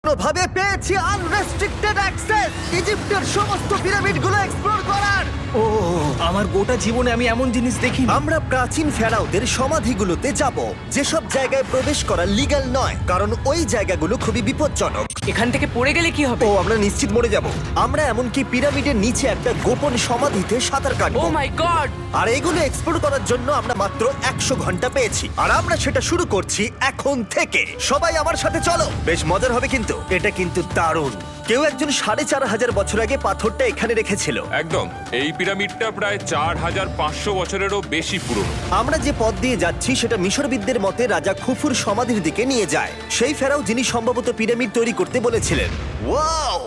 ভাবে পেয়েছি unrestricted access ইজিপ্টের সমস্ত পিরামিডগুলো এক্সপ্লোর করার। ও আমার গোটা জীবনে আমি এমন জিনিস দেখিনি। আমরা প্রাচীন ফেরাওদের সমাধিগুলোতে যাব, যেসব জায়গায় প্রবেশ করা লিগ্যাল নয়, কারণ ওই জায়গাগুলো খুবই বিপজ্জনক। এখান থেকে পড়ে গেলে কি হবে? ও আমরা নিশ্চিত মরে যাব। আমরা এমনকি পিরামিডের নিচে একটা গোপন সমাধিতে সাঁতার ও কাটবো। মাই গড! আর এগুলো এক্সপ্লোর করার জন্য আমরা মাত্র 100 ঘন্টা পেয়েছি, আর আমরা সেটা শুরু করছি এখন থেকে। সবাই আমার সাথে চলো, বেশ মজার হবে কিন্তু। এটা কিন্তু দারুণ। কেউ একজন 4500 বছর আগে পাথরটা এখানে রেখেছিল। একদম, এই পিরামিডটা প্রায় 4500 বছরেরও বেশি পুরনো। আমরা যে পথ দিয়ে যাচ্ছি সেটা মিশরবিদদের মতে রাজা খুফুর সমাধির দিকে নিয়ে যায়, সেই ফেরাও যিনি সম্ভবত পিরামিড তৈরি করতে বলেছিলেন। ওয়াও!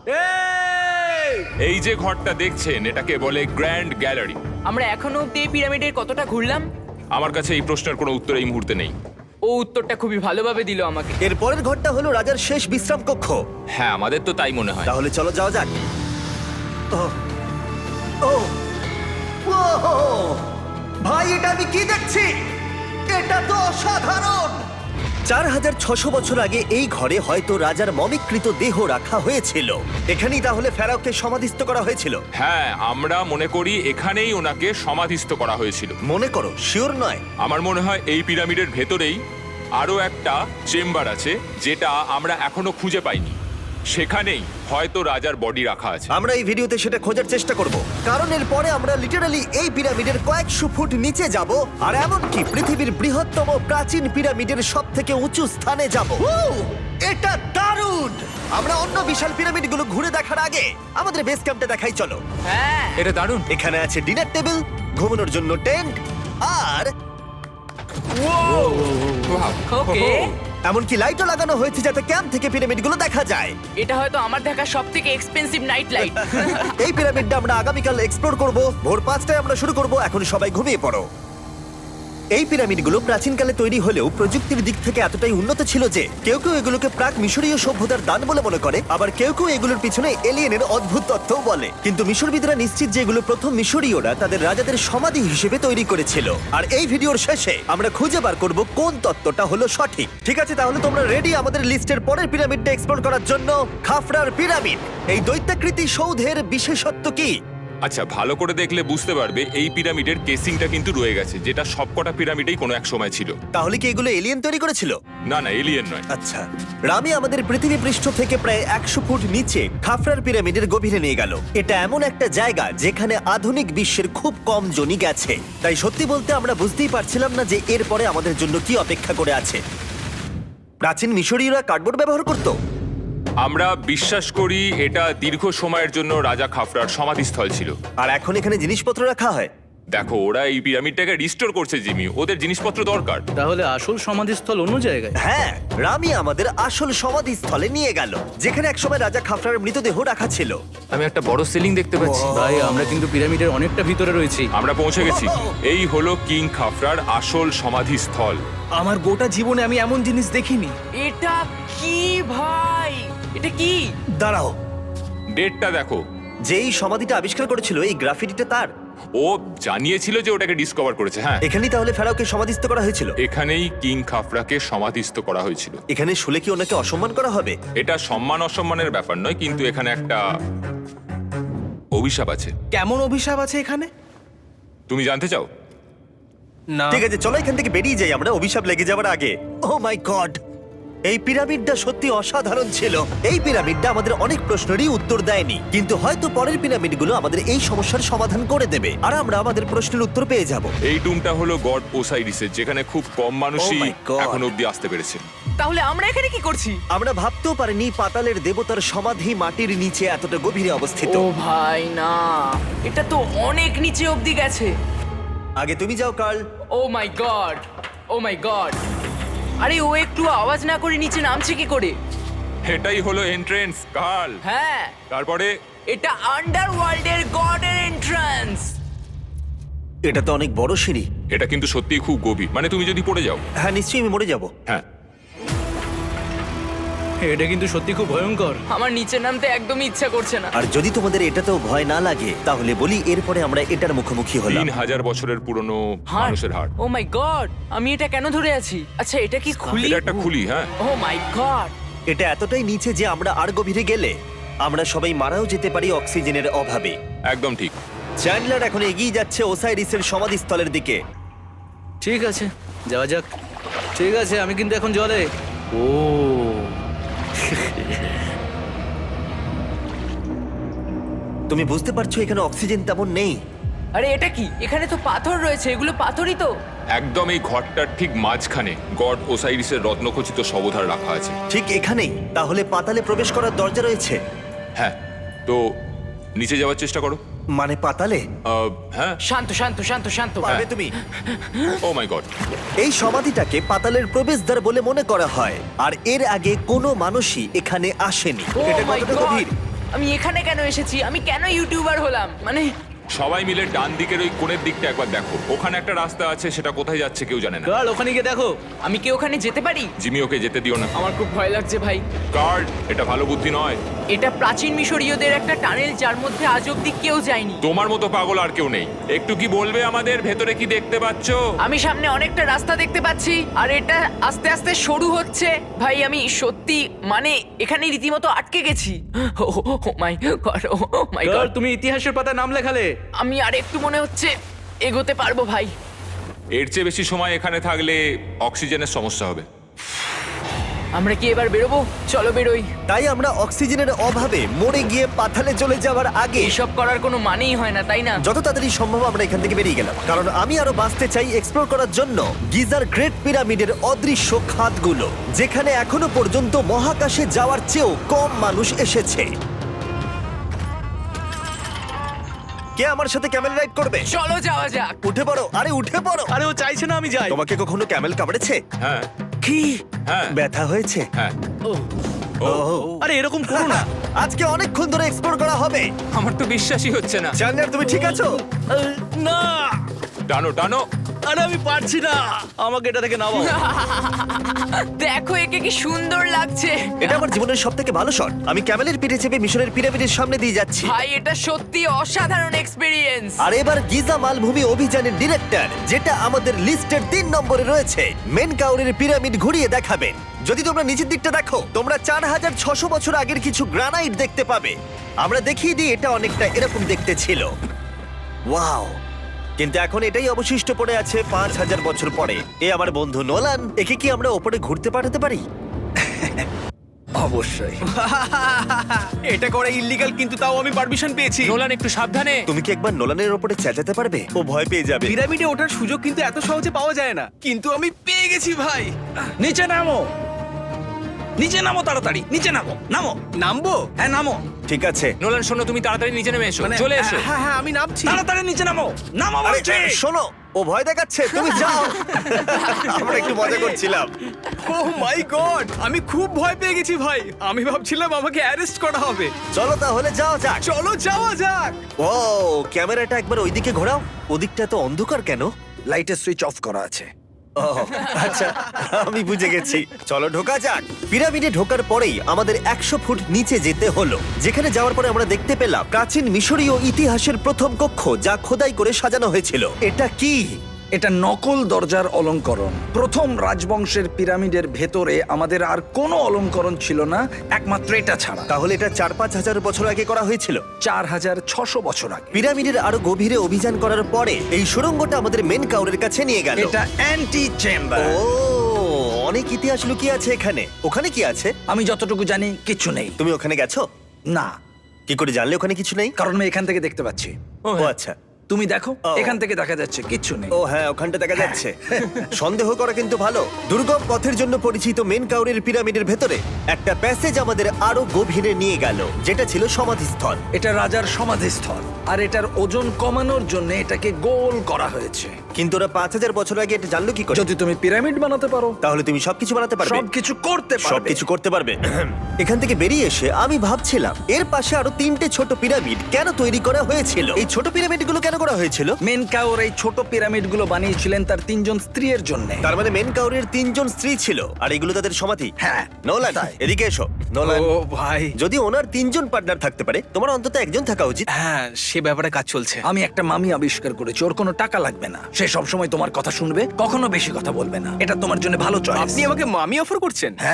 এই যে ঘরটা দেখছেন, এটাকে বলে গ্র্যান্ড গ্যালারি। আমরা এখনো অব্দি এই পিরামিডের কতটা ঘুরলাম? আমার কাছে এই প্রশ্নের কোনো উত্তর এই মুহূর্তে নেই। ও উত্তরটা খুবই ভালোভাবে দিল আমাকে। এর পরের ঘরটা হলো রাজার শেষ বিশ্রাম কক্ষ। হ্যাঁ, আমাদের তো তাই মনে হয়। তাহলে চলো যাওয়া যাক। ও ও ও ভাই, এটা আমি কি দেখছি? এটা তো অসাধারণ। 4600 বছর আগে এই ঘরে হয়তো রাজার মমিকৃত দেহ রাখা হয়েছিল। এখানেই তাহলে ফেরাওকে সমাধিস্থ করা হয়েছিল। হ্যাঁ, আমরা মনে করি এখানেই ওনাকে সমাধিস্থ করা হয়েছিল। মনে করো, শিওর নয়। আমার মনে হয় এই পিরামিডের ভেতরেই আরো একটা চেম্বার আছে, যেটা আমরা এখনো খুঁজে পাইনি। সেখানেই হয়তো রাজার বডি রাখা আছে। আমরা এই ভিডিওতে সেটা খোঁজার চেষ্টা করব, কারণ এর পরে আমরা লিটারালি এই পিরামিডের কয়েকশো ফুট নিচে যাব, আর এমনকি পৃথিবীর বৃহত্তম প্রাচীন পিরামিডের সবথেকে উঁচু স্থানে যাব। এটা দারুণ! আমরা অন্য বিশাল পিরামিডগুলো ঘুরে দেখার আগে আমাদের বেস ক্যাম্পটা দেখাই চলো। হ্যাঁ, এটা দারুণ। এখানে আছে ডিনার টেবিল, ঘুমানোর জন্য টেন্ট, আর ওকে। এমনকি লাইটও লাগানো হয়েছে যাতে ক্যাম্প থেকে পিরামিডগুলো দেখা যায়। এটা হয়তো আমার দেখা সবথেকে এক্সপেন্সিভ নাইট লাইট। এই পিরামিডটা আমরা আগামীকাল এক্সপ্লোর করব। ভোর 5টায় আমরা শুরু করব। এখন সবাই ঘুমিয়ে পড়ো। এই পিরামিডগুলো প্রাচীনকালে তৈরি হলেও প্রযুক্তির দিক থেকে এতটাই উন্নত ছিল যে কেউ কেউ এগুলোকে প্রাক মিশরীয় সভ্যতার দান বলে মনে করে, আবার কেউ কেউ এগুলোর পিছনে এলিয়েনের অদ্ভুত তথ্যও বলে। কিন্তু মিশরবিদরা নিশ্চিত যে এগুলো প্রথম মিশরীয়রা তাদের রাজাদের সমাধি হিসেবে তৈরি করেছিল। আর এই ভিডিওর শেষে আমরা খুঁজে বার করব কোন তত্ত্বটা হলো সঠিক। ঠিক আছে, তাহলে তোমরা রেডি আমাদের লিস্টের পরের পিরামিডটা এক্সপ্লোর করার জন্য? খাফরার পিরামিড। এই দৈত্যাকৃতি সৌধের বিশেষত্ব কি? আচ্ছা, ভালো করে দেখলে বুঝতে পারবে এই পিরামিডের কেসিংটা কিন্তু রয়ে গেছে, যেটা সবকটা পিরামিডেই কোনো এক সময় ছিল। তাহলে কি এগুলো এলিয়েন তৈরি করেছিল? না না, এলিয়েন নয়। আচ্ছা, রামি আমাদের পৃথিবী পৃষ্ঠ থেকে প্রায় 100 ফুট নিচে খাফরার পিরামিডের গভীরে নিয়ে গেল। এটা এমন একটা জায়গা যেখানে আধুনিক বিশ্বের খুব কম জনই গেছে। তাই সত্যি বলতে আমরা বুঝতেই পারছিলাম না যে এরপরে আমাদের জন্য কি অপেক্ষা করে আছে। প্রাচীন মিশরীয়রা কার্ডবোর্ড ব্যবহার করত। আমরা বিশ্বাস করি এটা দীর্ঘ সময়ের জন্য রাজা খাফরার সমাধিস্থল ছিল। আর এখন এখানে জিনিসপত্র রাখা হয়। দেখো, ওরা এই পিরামিডটাকে রিস্টোর করছে জিমি, ওদের জিনিসপত্র দরকার। তাহলে আসল সমাধিস্থল অন্য জায়গায়? হ্যাঁ, রামি আমাদের আসল সমাধিস্থলে নিয়ে গেল, যেখানে একসময় রাজা খাফরার মৃতদেহ রাখা ছিল। আমি একটা বড় সিলিং দেখতে পাচ্ছি। ভাই, আমরা কিন্তু পিরামিডের অনেকটা ভিতরে রয়েছি। আমরা পৌঁছে গেছি। এই হলো কিং খাফরার আসল সমাধিস্থল। আমার গোটা জীবনে আমি এমন জিনিস দেখিনি। এটা কি ভাই? এটা কি? দাঁড়াও, ডেটটা দেখো। যেই সমাধিটা আবিষ্কার করেছিল এই গ্রাফিটিটা তার। ও জানিয়েছিল যে ওটাকে ডিসকভার করেছে। হ্যাঁ, এখানেই তাহলে ফেরাওকে সমাধিস্থ করা হয়েছিল। এখানেই কিং খাফরাকে সমাধিস্থ করা হয়েছিল। এখানে শুলে কি ওনাকে অসম্মান করা হবে? এটা সম্মান অসম্মানের ব্যাপার নয়, কিন্তু এখানে একটা অভিশাপ আছে। কেমন অভিশাপ আছে এখানে? তুমি জানতে চাও? না। ঠিক আছে, চলো এখান থেকে বেরিয়ে যাই আমরা অভিশাপ লেগে যাওয়ার আগে। ও মাই গড, এই পিরামিডটা সত্যি অসাধারণ ছিল। এই পিরামিডটা আমাদের অনেক প্রশ্নেরই উত্তর দেয়নি, কিন্তু হয়তো পরের পিরামিডগুলো আমাদের এই সমস্যার সমাধান করে দেবে, আর আমরা আমাদের প্রশ্নের উত্তর পেয়ে যাব। এই টুমটা হলো গড ওসাইরিসের, যেখানে খুব কম মানুষই Oh my God! এখন অব্দি আসতে পেরেছে। তাহলে আমরা এখানে কি করছি? আমরা ভাবতেও পারিনি পাতালের দেবতার সমাধি মাটির নিচে এতটা গভীরে অবস্থিত। ও ভাই না, এটা তো অনেক নিচে অবধি গেছে। আগে তুমি যাও Carl. Oh my god, oh my god! আরে ও একটু আওয়াজ না করে নিচে নামছে কি করে? এটাই হলো এন্ট্রেন্স, কার্ল। হ্যাঁ, তারপরে এটা আন্ডারওয়ার্ল্ডের গডের এন্ট্রান্স। এটা তো অনেক বড় সিঁড়ি। এটা কিন্তু সত্যিই খুব গভীর, মানে তুমি যদি পড়ে যাও। হ্যাঁ, নিশ্চয়ই আমি মরে যাব। হ্যাঁ, এটা কিন্তু সত্যি খুব ভয়ঙ্কর। আমার নিচে নামতে একদমই ইচ্ছা করছে না। আর যদি তোমাদের এটাতেও ভয় না লাগে তাহলে বলি এরপরে আমরা এটার মুখোমুখি হলাম। 3000 বছরের পুরনো হার্ট, মানুষের হাড়। Oh my god! আমি এটা কেন ধরে আছি? আচ্ছা, এটা কি খুলি? এটা একটা খুলি। হ্যাঁ, ও মাই গড! এটা এতটাই নিচে যে আমরা আর গভীরে গেলে আমরা সবাই মারাও যেতে পারি অক্সিজেনের অভাবে। একদম ঠিক। চ্যান্ডলার এখন এগিয়ে যাচ্ছে ওসাইরিসের সমাধিস্থলের দিকে। ঠিক আছে, যাওয়া যাক। ঠিক আছে, আমি কিন্তু এখন জলে। ও তুমি বুঝতে পারছো এখানে অক্সিজেন তেমন নেই। আরে এটা কি? এখানে তো পাথর রয়েছে, এগুলো পাথরই তো। একদম এই ঘরটার ঠিক মাঝখানে গড ওসাইরিসের রত্নখচিত শবধার রাখা আছে। ঠিক এখানেই তাহলে পাতালে প্রবেশ করার দরজা রয়েছে? হ্যাঁ, তো নিচে যাওয়ার চেষ্টা করো। মানে পাতালে? হ্যাঁ। শান্ত শান্ত শান্ত শান্ত। পারবে তুমি? Oh my god. এই সমাধিটাকে পাতালের প্রবেশদ্বার বলে মনে করা হয়, আর এর আগে কোনো মানুষই এখানে আসেনি। Oh এটা my কতটা God! গভীর? আমি এখানে কেন এসেছি? আমি কেন ইউটিউবার হলাম? মানে সবাই মিলে ডান দিকের ওই কোণের দিকটা একবার দেখো। ওখানে একটা রাস্তা আছে, সেটা কোথায় যাচ্ছে কেউ জানে না। কাল ওখানে গিয়ে দেখো। আমি কি ওখানে যেতে পারি? জিমি, ওকে যেতে দিও না। আমার খুব ভয় লাগছে ভাই। গার্ড, এটা ভালো বুদ্ধি নয়। এটা প্রাচীন মিশরীয়দের একটা টানেল যার মধ্যে আজ অব্দি কেউ যায়নি। তোমার মতো পাগল আর কেউ নেই। একটু কি বলবে আমাদের ভেতরে কি দেখতে পাচ্ছো? আমি সামনে অনেকটা রাস্তা দেখতে পাচ্ছি আর এটা আস্তে আস্তে সরু হচ্ছে। ভাই আমি সত্যি মানে এখানে রীতিমতো আটকে গেছি। ও মাই গড, ও মাই কাল গড। তুমি ইতিহাসের পাতায় নাম লেখালে। আমি আর একটু মনে হচ্ছে এগোতে পারবো ভাই। এর চেয়ে বেশি সময় এখানে থাকলে অক্সিজেনের সমস্যা হবে। আমরা কি এবার বেরোবো? চলো বেরোই। তাই আমরা অক্সিজেনের অভাবে মরে গিয়ে পাতালে চলে যাওয়ার আগে এইসব করার কোনো মানেই হয় না, তাই না? যত তাড়াতাড়ি সম্ভব আমরা এখান থেকে বেরিয়ে গেলাম, কারণ আমি আরো বাঁচতে চাই এক্সপ্লোর করার জন্য গিজার গ্রেট পিরামিডের অদৃশ্য খাতগুলো, যেখানে এখনো পর্যন্ত মহাকাশে যাওয়ার চেয়েও কম মানুষ এসেছে। কে আমার সাথে ক্যামেল রাইড করবে? চলো যাওয়া যাক। উঠে পড়ো, আরে উঠে পড়ো। আরে ও চাইছে না আমি যাই। তোমাকে কখনো ক্যামেল কামড়েছে? হ্যাঁ কি হ্যাঁ ব্যথা হয়েছে? হ্যাঁ। আরে এরকম করো না। আজকে অনেকক্ষণ ধরে এক্সপ্লোর করা হবে। আমার তো বিশ্বাসই হচ্ছে না। জানলার তুমি ঠিক আছো? না, টানো টানো। আরে আমি পারছি না, আমাকে এটা থেকে নামাও। দেখো একে কি সুন্দর লাগছে। এটা আমার জীবনের সব থেকে ভালো শট। আমি ক্যামেলের পিঠে চেপে মিশরের পিরামিডের সামনে দিয়ে যাচ্ছি। ভাই এটা সত্যি অসাধারণ এক্সপেরিয়েন্স। আর এবার গিজা মালভূমি অভিযানের ডিরেক্টর, যেটা আমাদের লিস্টের 3 নম্বরে রয়েছে, মেনকাউরের পিরামিড ঘুরিয়ে দেখাবেন। যদি তোমরা নিচের দিকটা দেখো, তোমরা 4600 বছর আগের কিছু গ্রানাইট দেখতে পাবে। আমরা দেখিয়ে দিই, এটা অনেকটা এরকম দেখতে ছিল। ওয়াও! কিন্তু এখন এটাই অবশিষ্ট পড়ে আছে 5000 বছর পরে। এ আমার বন্ধু নোলান, একে কি আমরা ওপরে ঘুরতে পাঠাতে পারি? অবশ্যই। এটা করা ইল্লিগাল, কিন্তু তাও আমি পারমিশন পেয়েছি। নোলান, একটু সাবধানে। তুমি কি একবার নোলানের ওপরে চেঁচাতে পারবে? ও ভয় পেয়ে যাবে। পিরামিডে ওঠার সুযোগ কিন্তু এত সহজে পাওয়া যায় না, কিন্তু আমি পেয়ে গেছি ভাই। নিচে নামো, নিচে নামো, তাড়াতাড়ি নিচে নামো, নামো। নামবো? হ্যাঁ নামো, ঠিক আছে। নোলান শোনো, তুমি তাড়াতাড়ি নিচে নেমে এসো। চলে এসো। হ্যাঁ হ্যাঁ আমি নামছি। তাড়াতাড়ি নিচে নামো, নামো আরে বলছি। শোনো, ও ভয় দেখাচ্ছে, তুমি যাও। আমরা একটু মজা করছিলাম। ও মাই গড, আমি খুব ভয় পেয়ে গেছি ভাই। আমি ভাবছিলাম আমাকে অ্যারেস্ট করা হবে। চলো তাহলে যাও যাক। চলো যাওয়া যাক। ও ক্যামেরাটা একবার ওইদিকে ঘোরাও। ওদিকটা তো অন্ধকার কেন? লাইটের সুইচ অফ করা আছে। ও আচ্ছা, আমি বুঝে গেছি। চলো ঢোকা যাক। পিরামিডে ঢোকার পরেই আমাদের 100 ফুট নিচে যেতে হলো, যেখানে যাওয়ার পরে আমরা দেখতে পেলাম প্রাচীন মিশরীয় ইতিহাসের প্রথম কক্ষ, যা খোদাই করে সাজানো হয়েছিল। এটা কি? এটা নকল দরজার অলঙ্করণ। প্রথম রাজবংশের পিরামিডের ভেতরে আমাদের আর কোনো অলঙ্করণ ছিল না, একমাত্র এটা ছাড়া। তাহলে এটা 4-5 হাজার বছর আগে করা হয়েছিল। 4600 বছর আগে। পিরামিডের আরো গভীরে অভিযান করার পরে এই সুড়ঙ্গটা আমাদের মেন কাউরের কাছে নিয়ে গেল। এটা অ্যান্টি চেম্বার। ও অনেক ইতিহাস লুকিয়ে আছে এখানে। ওখানে কি আছে? আমি যতটুকু জানি কিছু নেই। তুমি ওখানে গেছো? না, কি করে জানলে ওখানে কিছু নেই? কারণ আমি এখান থেকে দেখতে পাচ্ছি। ও আচ্ছা। তুমি দেখো, ও। এখান থেকে দেখা যাচ্ছে কিচ্ছু নেই। ও হ্যাঁ, ওখানটা দেখা যাচ্ছে। সন্দেহ করা কিন্তু ভালো। দুর্গম পথের জন্য পরিচিত মেন কাউরের পিরামিডের ভেতরে একটা প্যাসেজ আমাদের আরো গভীরে নিয়ে গেল, যেটা ছিল সমাধিস্থল। এটা রাজার সমাধিস্থল, আর এটার ওজন কমানোর জন্য এটাকে গোল করা হয়েছে। কিন্তু ওরা 5000 বছর আগে এটা জানলো কি করে? যদি তুমি পিরামিড বানাতে পারো, তাহলে তুমি সবকিছু বানাতে পারবে। সবকিছু করতে পারবে। সবকিছু করতে পারবে। এখান থেকে বেরিয়ে এসে আমি ভাবছিলাম, এর পাশে আরো 3টে ছোট পিরামিড কেন তৈরি করা হয়েছিল? এই ছোট পিরামিডগুলো কেন করা হয়েছিল? মেনকাওর এই ছোট পিরামিডগুলো বানিয়েছিলেন তার 3 জন স্ত্রীর জন্য। তার মানে মেন কাউরের 3 জন স্ত্রী ছিল, আর এগুলো তাদের সমাধি। হ্যাঁ, নোলান, তাই। এদিকে এসো। নোলান, ও ভাই, যদি ওনার 3 জন পার্টনার থাকতে পারে, তোমার অন্তত একজন থাকা উচিত। হ্যাঁ সে ব্যাপারে কাজ চলছে। আমি একটা মামি আবিষ্কার করেছি, ওর কোনো টাকা লাগবে না। সে সব সময় তোমার কথা শুনবে, কখনো বেশি কথা বলবে না। এটা তোমার জন্য ভালো চয়েস। আপনি আমাকে মামি অফার করছেন? হ্যাঁ,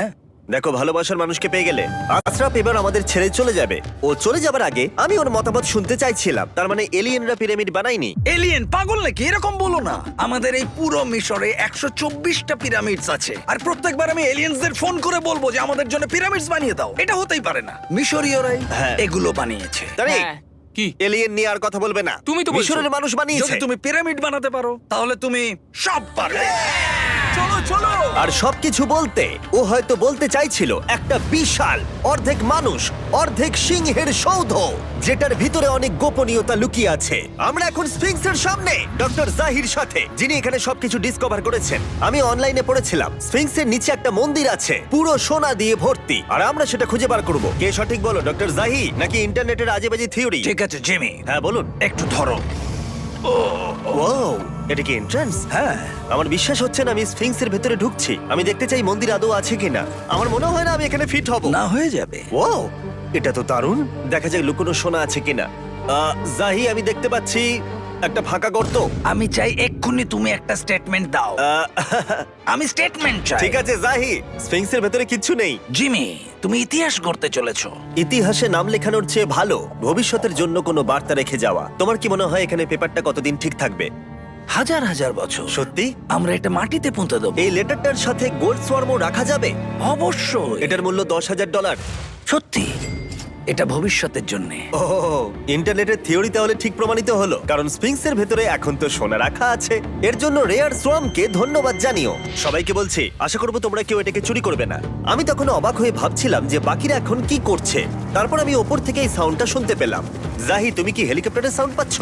দেখো, ভালোবাসার মানুষকে পেয়ে গেলে। আশরাফ এবার আমাদের ছেড়ে চলে যাবে। ও চলে যাবার আগে আমি ওর মতামত শুনতে চাইছিলাম। তার মানে এলিয়েনরা পিরামিড বানায়নি? এলিয়েন পাগল নাকি? এরকম বলো না। আমাদের এই পুরো মিশরে 124টা পিরামিডস আছে, আর প্রত্যেকবার আমি এলিয়েন্সদের ফোন করে বলবো যে আমাদের জন্য পিরামিডস বানিয়ে দাও। এটা হতেই পারে না। মিশরীয়রাই হ্যাঁ। এগুলো বানিয়েছে। তারিক, হ্যাঁ। কি এলিয়েন নিয়ে আর কথা বলবে না। তুমি তো বলছো। মিশরের মানুষ বানিয়েছে। যদি তুমি পিরামিড বানাতে পারো তাহলে তুমি সব পারবে। চলো চলো। আর সবকিছু বলতে ও হয়তো বলতে চাইছিল একটা বিশাল অর্ধেক মানুষ অর্ধেক সিংহের সৌধ, যেটার ভিতরে অনেক গোপনীয়তা লুকিয়ে আছে। আমরা এখন স্ফিংসের সামনে ডক্টর জাহির সাথে, যিনি এখানে সবকিছু ডিসকভার করেছেন। আমি অনলাইনে পড়েছিলাম স্ফিংসের নিচে একটা মন্দির আছে পুরো সোনা দিয়ে ভর্তি, আর আমরা সেটা খুঁজে বার করব। কে সঠিক বলো, ডক্টর জাহি নাকি ইন্টারনেটের আজেবাজে থিওরি? ঠিক আছে জিমি, হ্যাঁ বলুন। একটু ধরো। ও, এটা কি এন্ট্রান্স? হ্যাঁ, আমার বিশ্বাস হচ্ছে না আমি স্ফিংসের ভেতরে ঢুকছি। আমি দেখতে চাই মন্দির আদৌ আছে কিনা। আমার মনে হয় না আমি এখানে ফিট হব। না হয়ে যাবে। ও, এটা তো দারুণ। দেখা যাক লুকোনো সোনা আছে কিনা। জাহি, আমি দেখতে পাচ্ছি একটা ফাঁকা গর্ত। আমি চাই এক্ষুনি তুমি একটা স্টেটমেন্ট দাও। আহ, আমি স্টেটমেন্ট চাই। ঠিক আছে জাহি, স্ফিংসের ভেতরে কিচ্ছু নেই। জিমি, তুমি ইতিহাস গড়তে চলেছো। ইতিহাসে নাম লেখানোর চেয়ে ভালো ভবিষ্যতের জন্য কোনো বার্তা রেখে যাওয়া। তোমার কি মনে হয় এখানে পেপারটা কতদিন ঠিক থাকবে? হাজার হাজার বছর। সত্যি? আমরা এটা মাটিতে পুঁতে দেবো। এই লেটারটার সাথে গোল্ড সোয়ার্মও রাখা যাবে? অবশ্যই। এটার মূল্য $10,000। সত্যি, এটা ভবিষ্যতের জন্য। ও, ইন্টারনেটের থিওরি তাহলে ঠিক প্রমাণিত হলো, কারণ স্ফিংসের ভেতরে এখন তো সোনা রাখা আছে। এর জন্য রেয়ার সোয়ামকে ধন্যবাদ জানিও। সবাইকে বলছি, আশা করবো তোমরা কেউ এটাকে চুরি করবে না। আমি তখন অবাক হয়ে ভাবছিলাম যে বাকিরা এখন কি করছে। তারপর আমি ওপর থেকে এই সাউন্ডটা শুনতে পেলাম। জাহি, তুমি কি হেলিকপ্টারের সাউন্ড পাচ্ছ?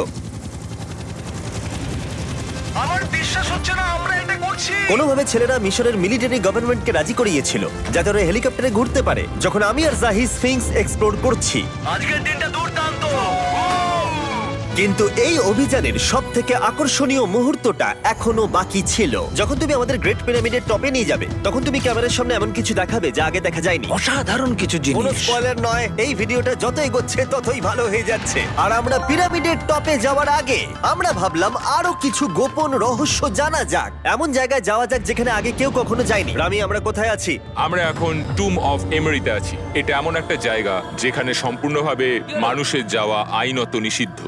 আমার বিশ্বাস হচ্ছে না আমরা এটা করছি। কোনোভাবে ছেলেরা মিশরের মিলিটারি গভর্নমেন্টকে রাজি করিয়েছিল যাতে ওরা হেলিকপ্টারে ঘুরতে পারে যখন আমি আর জাহি স্ফিংস এক্সপ্লোর করছি। আজকের দিনটা দুর্দান্ত। কিন্তু এই অভিযানের সব থেকে আকর্ষণীয় মুহূর্তটা এখনো বাকি ছিল। যখন তুমি আমাদের গ্রেট পিরামিডের টপে নিয়ে যাবে তখন তুমি ক্যামেরার সামনে এমন কিছু দেখাবে যা আগে দেখা যায়নি। অসাধারণ কিছু কোনো জিনিস। স্পয়লার নয়, এই ভিডিওটা যত এগোচ্ছে ততই ভালো হয়ে যাচ্ছে। আর আমরা পিরামিডের টপে যাওয়ার আগে আমরা ভাবলাম আরো কিছু গোপন রহস্য জানা যাক। এমন জায়গায় যাওয়া যাক যেখানে আগে কেউ কখনো যায়নি। রামি, আমরা কোথায় আছি? আমরা এখন টুম অফ এমেরিতে আছি। এটা এমন একটা জায়গা যেখানে সম্পূর্ণভাবে মানুষের যাওয়া আইনত নিষিদ্ধ।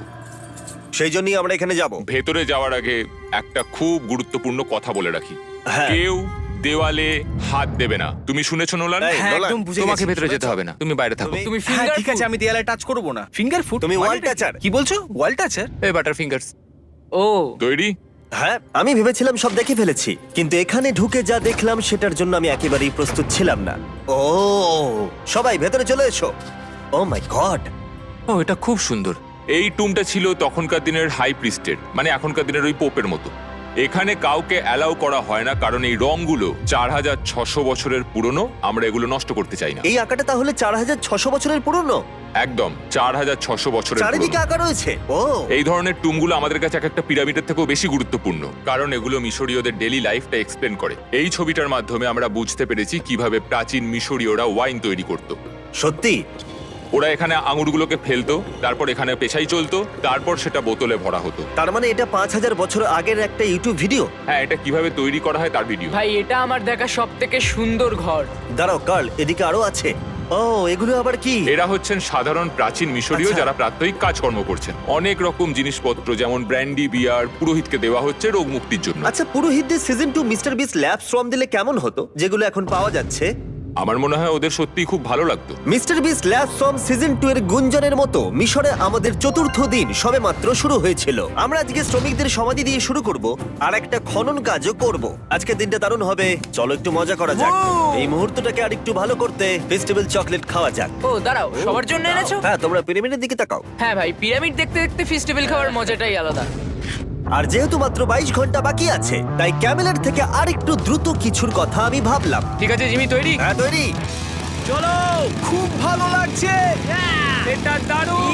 সেই জন্যই আমরা এখানে যাব। ভেতরে যাওয়ার আগে একটা খুব গুরুত্বপূর্ণ কথা বলে রাখি, হ্যাঁ। কেউ দেওয়ালে হাত দেবে না। তুমি শুনেছো নোলান? এই, হ্যাঁ, নোলান, একদম বুঝে তোমাকে গেছি, ভেতরে যেতে শুনেছো? হবে না, তুমি বাইরে থাকো। তুমি- হ্যাঁ ফিঙ্গার ঠিক আছে, আমি দেয়ালে টাচ করব না। Finger food? তুমি ওয়াল টাচার। কি বলছো? ওয়াল টাচার? এই বাটার ফিঙ্গারস। ও তৈরি? হ্যাঁ, আমি ভেবেছিলাম সব দেখে ফেলেছি, কিন্তু এখানে ঢুকে যা দেখলাম সেটার জন্য আমি একেবারেই প্রস্তুত ছিলাম না। ও, সবাই ভেতরে চলে এসো। ও মাই গড, ও, এটা খুব সুন্দর। এই টুমটা ছিল তখনকার দিনের হাই প্রিস্টের, মানে এখনকার দিনের ওই পোপের মতো। এখানে কাউকে অ্যালাউ করা হয় না, কারণ এই রংগুলো 4600 বছরের পুরনো। আমরা এগুলো নষ্ট করতে চাই না। এই আঁকাটা তাহলে 4600 বছরের পুরনো? একদম 4600 বছরের চারিদিকে পুরনো। আঁকা রয়েছে। ও, এই ধরনের টুমগুলো আমাদের কাছে এক একটা পিরামিডের থেকেও বেশি গুরুত্বপূর্ণ, কারণ এগুলো মিশরীয়দের ডেইলি লাইফটা এক্সপ্লেন করে। এই ছবিটার মাধ্যমে আমরা বুঝতে পেরেছি কিভাবে প্রাচীন মিশরীয়রা ওয়াইন তৈরি করত। সত্যি? ওরা এখানে আঙুরগুলোকে ফেলতো, তারপর এখানে পেশাই চলতো, তারপর সেটা বোতলে ভরা হতো। তার মানে এটা 5000 বছর আগের একটা ইউটিউব ভিডিও? হ্যাঁ, এটা কিভাবে তৈরি করা হয় তার ভিডিও। ভাই, এটা আমার দেখা সব থেকে সুন্দর ঘর। দাঁড়াও কার্ল, এদিকে আরো আছে। ও, এগুলো আবার কি? এরা হচ্ছেন সাধারণ প্রাচীন মিশরীয় আচ্ছা। যারা প্রাত্যহিক কাজকর্ম করছেন। অনেক রকম জিনিসপত্র যেমন ব্র্যান্ডি, বিয়ার পুরোহিতকে দেওয়া হচ্ছে রোগ মুক্তির জন্য। আচ্ছা, পুরোহিতদের সিজন 2 মিস্টার বিস ল্যাব শ্রম দিলে কেমন হতো, যেগুলো এখন পাওয়া যাচ্ছে? আমার মনে হয় ওদের সত্যিই খুব ভালো লাগতো। মিস্টার বিস ল্যাব শ্রম সিজন 2 এর গুঞ্জনের মতো মিশরে আমাদের চতুর্থ দিন সবেমাত্র শুরু হয়েছিল। আমরা আজকে শ্রমিকদের সমাধি দিয়ে শুরু করব আর একটা খনন কাজও করব। আজকের দিনটা দারুণ হবে, চলো একটু মজা করা যাক। এই মুহূর্তটাকে আর একটু ভালো করতে ফেস্টিভ্যাল চকলেট খাওয়া যাক। ও দাঁড়াও, সবার জন্য এনেছো? হ্যাঁ, তোমরা পিরামিডের দিকে তাকাও। হ্যাঁ ভাই, পিরামিড দেখতে দেখতে ফেস্টিভ্যাল খাওয়ার মজাটাই আলাদা। আর যেহেতু মাত্র 22 ঘন্টা বাকি আছে তাই ক্যামেলের থেকে আর একটু দ্রুত কিছুর কথা আমি ভাবলাম। ঠিক আছে জিমি, তৈরি? হ্যাঁ, তৈরি। চলো, খুব ভালো লাগছে। এটা দারুণ।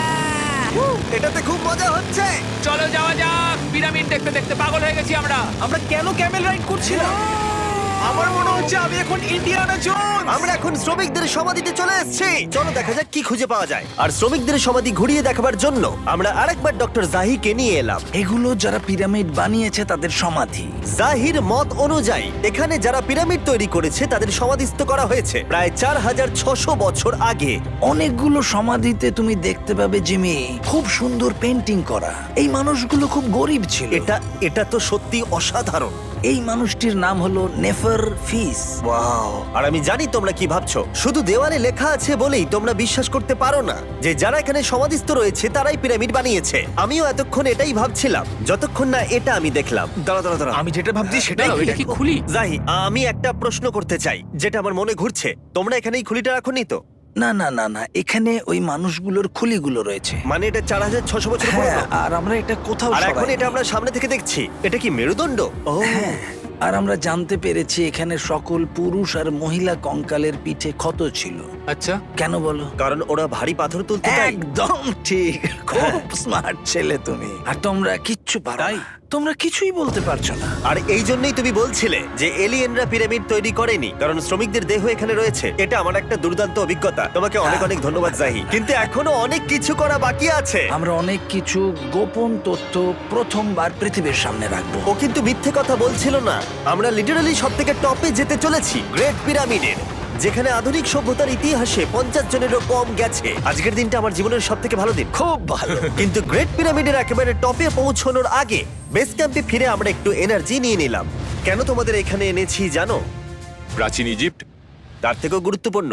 এটাতে খুব মজা হচ্ছে। চলো যাওয়া যাক। পিরামিড দেখতে দেখতে পাগল হয়ে গেছি আমরা। আমরা কেন ক্যামেল রাইড করছিলাম? আমার মনে হচ্ছে আমি এখন ইন্ডিয়ানা জোনস। আমরা এখন শ্রমিকদের সমাধিতে চলে এসেছি। চলো দেখা যাক কি খুঁজে পাওয়া যায়। আর শ্রমিকদের সমাধি ঘুরিয়ে দেখাবার জন্য আমরা আরেকবার ডক্টর জাহিকে নিয়ে এলাম। এগুলো যারা পিরামিড বানিয়েছে তাদের সমাধি। জাহির মত অনুযায়ী এখানে যারা পিরামিড তৈরি করেছে তাদের সমাধিস্থ করা হয়েছে প্রায় 4600 বছর আগে। অনেকগুলো সমাধিতে তুমি দেখতে পাবে জিমি খুব সুন্দর পেন্টিং করা। এই মানুষগুলো খুব গরিব ছিল। এটা তো সত্যি অসাধারণ। এই মানুষটির নাম হলো নেফার ফিস। ওয়াও! আর আমি জানি তোমরা কি ভাবছো। শুধু দেওয়ালে লেখা আছে বলেই তোমরা বিশ্বাস করতে পারো না যে যারা এখানে সমাধিস্থ রয়েছে তারাই পিরামিড বানিয়েছে। আমিও এতক্ষণ এটাই ভাবছিলাম যতক্ষণ না এটা আমি দেখলাম। দাঁড়া। আমি যেটা ভাবছি সেটাই দাঁড়াও, এটা কি খুলি? জাহি, আমি একটা প্রশ্ন করতে চাই যেটা আমার মনে ঘুরছে। তোমরা এখানে এই খুলিটা রাখোনি তো? না না না না, এখানে ওই মানুষগুলোর খুলিগুলো রয়েছে। মানে এটা 4600 বছর হ্যাঁ, পুরনো। আর আমরা এটা কোথাও আর এখন সরাইনি। এটা আমরা সামনে থেকে দেখছি। এটা কি মেরুদণ্ড? ও হ্যাঁ, আর আমরা জানতে পেরেছি এখানে সকল পুরুষ আর মহিলা কঙ্কালের পিঠে ক্ষত ছিল। আচ্ছা, কেন বলো? কারণ ওরা ভারী পাথর তুলতে তাই। একদম ঠিক, খুব স্মার্ট ছেলে তুমি। আর তোমরা কিচ্ছু পারো না। তোমরা কিছুই বলতে পারছো না। আর এই জন্যই তুমি বলছিলে যে এলিয়েনরা পিরামিড তৈরি করেনি কারণ শ্রমিকদের দেহ এখানে রয়েছে। এটা আমার একটা দুর্দান্ত অভিজ্ঞতা। তোমাকে অনেক অনেক ধন্যবাদ জাহি। কিন্তু এখনো অনেক কিছু করা বাকি আছে। আমরা অনেক কিছু গোপন তথ্য প্রথমবার পৃথিবীর সামনে রাখবো। ও কিন্তু মিথ্যে কথা বলছিল না। আমরা লিটারালি সব থেকে টপে যেতে চলেছি, গ্রেট পিরামিডের, যেখানে আধুনিক সভ্যতার ইতিহাসে 50 জনেরও কম গেছে। আজকের দিনটা আমার জীবনের সব থেকে ভালো দিন। খুব ভালো। কিন্তু গ্রেট পিরামিডের একেবারে টপে পৌঁছানোর আগে বেস ক্যাম্পে ফিরে আমরা একটু এনার্জি নিয়ে নিলাম। কেন তোমাদের এখানে এনেছি জানো? প্রাচীন ইজিপ্ট। তার থেকেও গুরুত্বপূর্ণ,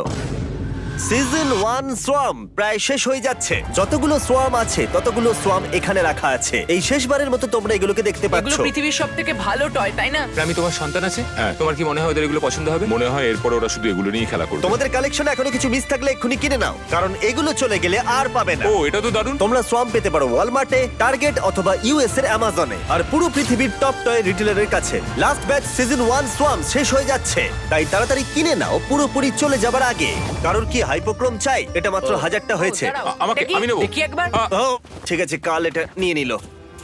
সিজন 1 সোয়াম প্রায় শেষ হয়ে যাচ্ছে। যতগুলো সোয়াম আছে ততগুলো সোয়াম এখানে রাখা আছে। এই শেষবারের মতো তোমরা এগুলোকে দেখতে এগুলো পাচ্ছ। পৃথিবীর সব থেকে ভালো টয়, তাই না? আমি তোমার সন্তান আছে, হ্যাঁ। তোমার কি মনে হয় ওদের এগুলো পছন্দ হবে? মনে হয় এরপর ওরা শুধু এগুলো নিয়ে খেলা করবে। তোমাদের কালেকশনে এখনো কিছু মিস থাকলে এক্ষুনি কিনে নাও, কারণ এগুলো চলে গেলে আর পাবে না। ও, এটা তো দারুণ। তোমরা সোয়াম পেতে পারো ওয়ালমার্টে, টার্গেট অথবা ইউএস এর অ্যামাজনে, আর পুরো পৃথিবীর টপ টয় রিটেলারের কাছে। লাস্ট ব্যাচ সিজন 1 সোয়াম শেষ হয়ে যাচ্ছে, তাই তাড়াতাড়ি কিনে নাও পুরোপুরি চলে যাবার আগে। কারণ কি হাইপোক্রোম চাই? এটা মাত্র 1000টা হয়েছে। ও, দাঁড়াও, আমাকে- দেখি, আমি নেবো। দেখি একবার। ও ঠিক আছে, কাল এটা নিয়ে নিল।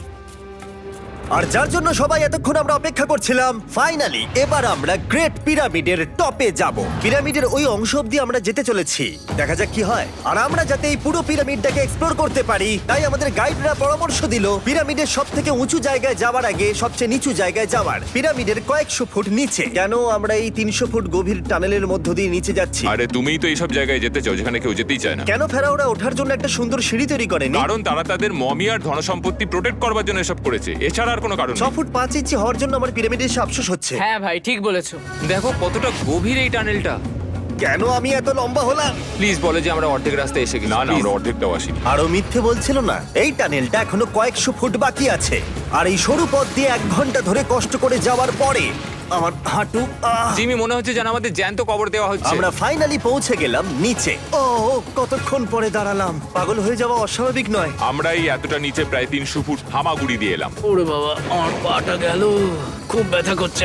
আর যার জন্য সবাই এতক্ষণ আমরা অপেক্ষা করছিলাম, ফাইনালি এবার আমরা গ্রেট পিরামিডের টপে যাব। পিরামিডের ওই অংশ অব্দি আমরা যেতে চলেছি, দেখা যাক কি হয়। আর আমরা যাতে এই পুরো পিরামিডটাকে এক্সপ্লোর করতে পারি, তাই আমাদের গাইডরা পরামর্শ দিল পিরামিডের সব থেকে উঁচু জায়গায় যাওয়ার আগে সবচেয়ে নিচু জায়গায় যাওয়ার, পিরামিডের কয়েকশো ফুট নিচে। কেন আমরা এই 300 ফুট গভীর টানেলের মধ্য দিয়ে নিচে যাচ্ছি? আরে তুমিই তো এইসব জায়গায় যেতে চাও যেখানে কেউ যেতেই চায় না। কেন ফেরাওরা ওঠার জন্য একটা সুন্দর সিঁড়ি তৈরি করেনি? কারণ তারা তাদের মমি আর ধনসম্পত্তি প্রোটেক্ট করবার জন্য এসব করেছে, এছাড়া আর কোনো কারণ 6 নেই। ফুট 5 ইঞ্চি হওয়ার জন্য আমার পিরামিডে এসে আফসোস হচ্ছে। হ্যাঁ ভাই, ঠিক বলেছো। দেখো কতটা গভীর এই টানেলটা। কেন আমি এত লম্বা হলাম? প্লিজ বলে যে আমরা অর্ধেক রাস্তায় এসে গেছি। না না, আমরা অর্ধেকটাও আসিনি। আরো মিথ্যে বলছিল না। এই টানেলটা এখনো কয়েকশো ফুট বাকি আছে, আর এই সরু পথ দিয়ে 1 ঘন্টা ধরে কষ্ট করে যাওয়ার পরে আমার হাঁটু জিমি, মনে হচ্ছে যেন আমাদের জ্যান্ত কবর দেওয়া হচ্ছে। আমরা ফাইনালি পৌঁছে গেলাম নিচে। ও কতক্ষণ পরে দাঁড়ালাম, পাগল হয়ে যাওয়া অস্বাভাবিক নয়। আমরা এই এতটা নিচে প্রায় 300 ফুট হামাগুড়ি দিয়ে এলাম। ওরে বাবা, আমার পাটা গেল, খুব ব্যথা করছে।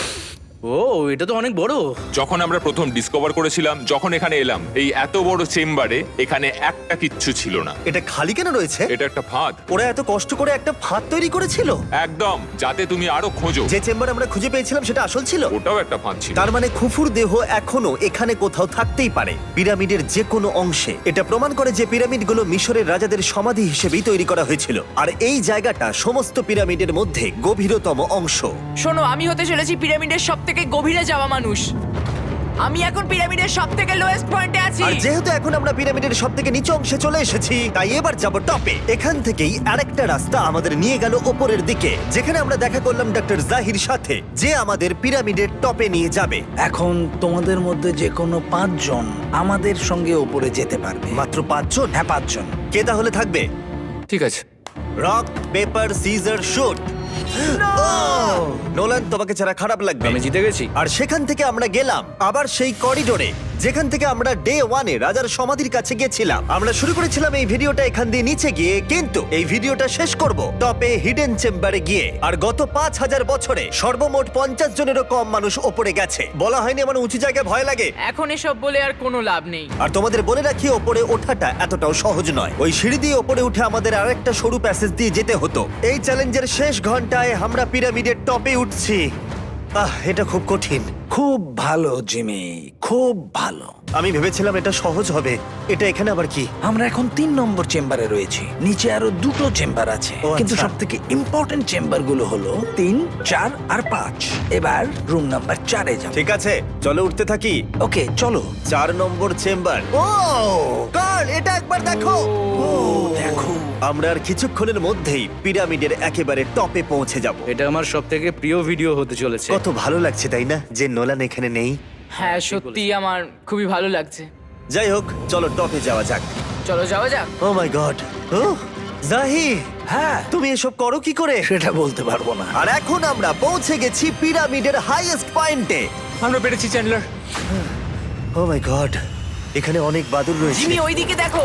ও, এটা তো অনেক বড়। যখন আমরা প্রথম ডিসকভার করেছিলাম, যখন এখানে এলাম, এই এত বড় চেম্বারে এখানে একটা কিচ্ছু ছিল না। এটা খালি কেন রয়েছে? এটা একটা ফাঁদ। ওরা এত কষ্ট করে একটা ফাঁদ তৈরি করেছিল একদম, যাতে তুমি আরো খোঁজো। যে চেম্বার আমরা খুঁজে পেয়েছিলাম সেটা আসল ছিল। ওটাও একটা ফাঁদ ছিল। তার মানে খুফুর দেহ এখনো এখানে কোথাও থাকতেই পারে, পিরামিডের যে কোনো অংশে। এটা প্রমাণ করে যে পিরামিডগুলো মিশরের রাজাদের সমাধি হিসেবেই তৈরি করা হয়েছিল, আর এই জায়গাটা সমস্ত পিরামিডের মধ্যে গভীরতম অংশ। শোনো, আমি হতে চলেছি পিরামিডের সব থেকে গভীরে যাওয়া মানুষ। আমি এখন পিরামিডের সব থেকে লোয়েস্ট পয়েন্টে আছি। আর যেহেতু এখন আমরা পিরামিডের সব থেকে নিচু অংশে চলে এসেছি, তাই এবার যাব টপে। এখান থেকেই আরেকটা রাস্তা আমাদের নিয়ে গেল ওপরের দিকে, যেখানে আমরা দেখা করলাম ডক্টর জাহির সাথে, যে আমাদের পিরামিডের টপে নিয়ে যাবে। এখন তোমাদের মধ্যে যে কোনো 5 জন আমাদের সঙ্গে ওপরে যেতে পারবে। মাত্র 5 জন? হ্যাঁ, 5 জন। কে তাহলে থাকবে? ঠিক আছে। Rock paper scissor shoot. Nolan, তোমাকে ছাড়া খারাপ লাগবে। আমি জিতে গেছি। আর সেখান থেকে আমরা গেলাম আবার সেই করিডোরে যেখান থেকে আমরা ডে 1-এ রাজার সমাধির কাছে গেছিলাম। আমরা শুরু করেছিলাম এই ভিডিওটা এখান দিয়ে নিচে গিয়ে, কিন্তু এই ভিডিওটা শেষ করব টপে হিডেন চেম্বারে গিয়ে। আর গত 5000 বছরে সর্বমোট 50 জনেরও কম মানুষ ওপরে গেছে। বলা হয়নি আমার উঁচু জায়গায় ভয় লাগে। এখন এসব বলে আর কোনো লাভ নেই। আর তোমাদের বলে রাখি, ওপরে ওঠাটা এতটাও সহজ নয়। ওই সিঁড়ি দিয়ে ওপরে উঠে আমাদের আরেকটা সরু প্যাসেজ দিয়ে যেতে হতো। এই চ্যালেঞ্জের শেষ ঘন্টায় আমরা পিরামিডের টপে উঠছি। এটা খুব কঠিন, খুব ভালো জিমি, খুব ভালো। আমি ভেবেছিলাম এটা সহজ হবে। এটা এখানে আবার কি? আমরা এখন 3 নম্বর চেম্বারে রয়েছি। নিচে আরো 2টো চেম্বার আছে, ও, কিন্তু আচ্ছা। সব থেকে ইম্পর্টেন্ট চেম্বার গুলো হলো 3, 4 আর 5। এবার রুম নাম্বার 4-এ যাব। ঠিক আছে, চলো উঠতে থাকি। ওকে, চলো। 4 নম্বর চেম্বার। ও কার্ল, এটা একবার দেখো। দেখো, আমরা আর কিছুক্ষণের মধ্যেই পিরামিডের একেবারে টপে পৌঁছে যাব। এটা আমার সব থেকে প্রিয় ভিডিও হতে চলেছে। কত ভালো লাগছে তাই না, যে নোলান এখানে নেই। হ্যাঁ সত্যি আমার খুবই ভালো লাগছে। যাই হোক, চলো টপে যাওয়া যাক। চলো যাওয়া যাক। ও মাই গড, ও জাহি, হ্যাঁ, তুমি এসব করো কি করে? সেটা বলতে পারবো না। আর এখন আমরা পৌঁছে গেছি পিরামিডের হাইয়েস্ট পয়েন্টে। আমরা পেরেছি চ্যান্ডলার। ও মাই গড, এখানে অনেক বাদুড় রয়েছে। জিমি ওইদিকে দেখো।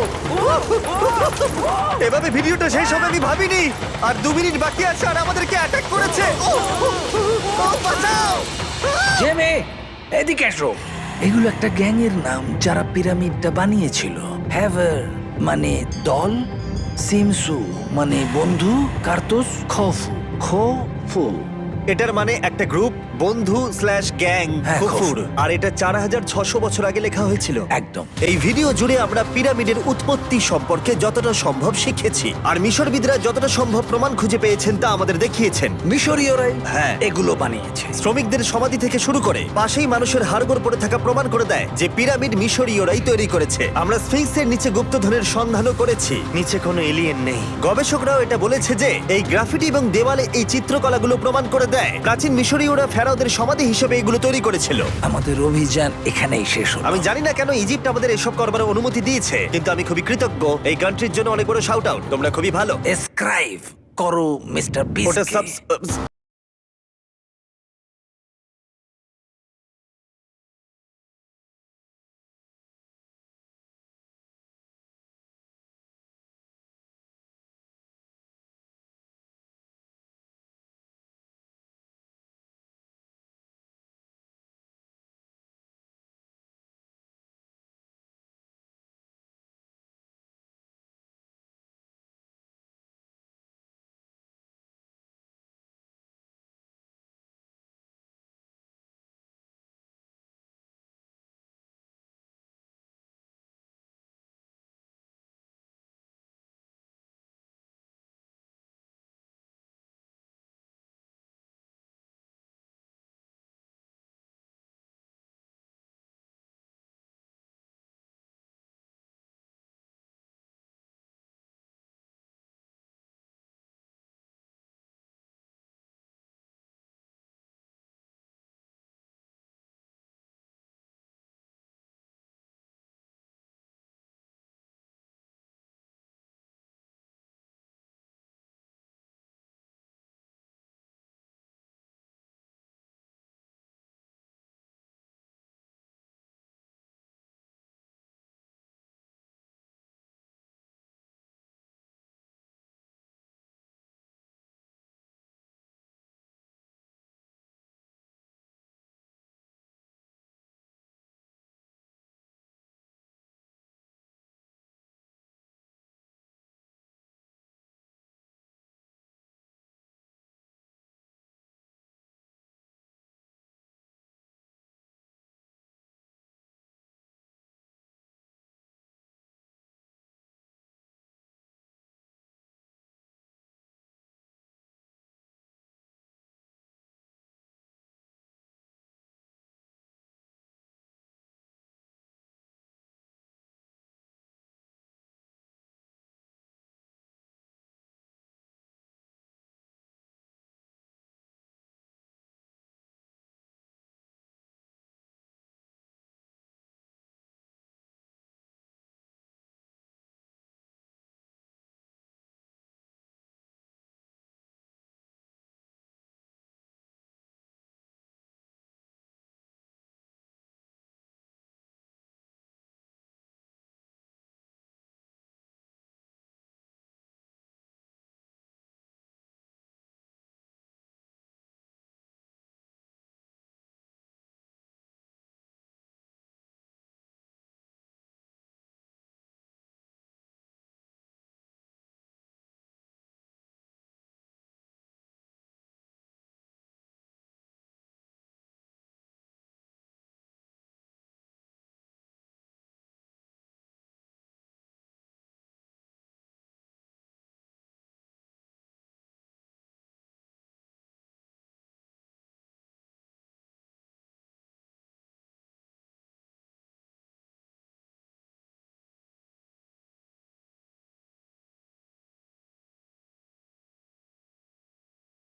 এভাবে ভিডিওটা শেষ হবে আমি ভাবিনি। আর 2 মিনিট বাকি আছে আর আমাদেরকে অ্যাটাক করেছে। ও, বাঁচাও! জেমে, এদিকে এসো। এগুলো একটা গ্যাং এর নাম যারা পিরামিডটা বানিয়েছিল। হ্যাভার মানে দল, সিমসু মানে বন্ধু, কার্তুস খফু খফু। এটার মানে একটা গ্রুপ, বন্ধু স্ল্যাশ গ্যাং, হ্যাঁ, কুকুর। খফুর। আর এটা 4600 বছর আগে লেখা হয়েছিল। একদম। এই ভিডিও জুড়ে আমরা পিরামিডের উৎপত্তি সম্পর্কে যতটা সম্ভব শিখেছি, আর মিশরবিদরা যতটা সম্ভব প্রমাণ খুঁজে পেয়েছেন তা আমাদের দেখিয়েছেন। মিশরীয়রাই হ্যাঁ। এগুলো বানিয়েছে। শ্রমিকদের সমাধি থেকে শুরু করে পাশেই মানুষের হাড়গোড় পড়ে থাকা প্রমাণ করে দেয় যে পিরামিড মিশরীয়রাই তৈরি করেছে। আমরা স্ফিংসের নিচে গুপ্তধনের সন্ধানও করেছি, নিচে কোনো এলিয়েন নেই। গবেষকরাও এটা বলেছে যে এই গ্রাফিটি এবং দেওয়ালে এই চিত্রকলাগুলো প্রমাণ করে দেয় প্রাচীন মিশরীয়রা ফেরাওদের সমাধি হিসেবে এগুলো তৈরি করেছিল। আমাদের অভিযান এখানেই শেষ হলো। আমি জানি না কেন ইজিপ্ট আমাদের এসব করবার অনুমতি দিয়েছে, কিন্তু আমি খুবই কৃতজ্ঞ। এই কান্ট্রির জন্য অনেক বড় শাউট আউট, তোমরা খুবই ভালো। এসক্রাইব করো মিস্টার ওটা বিস্ট।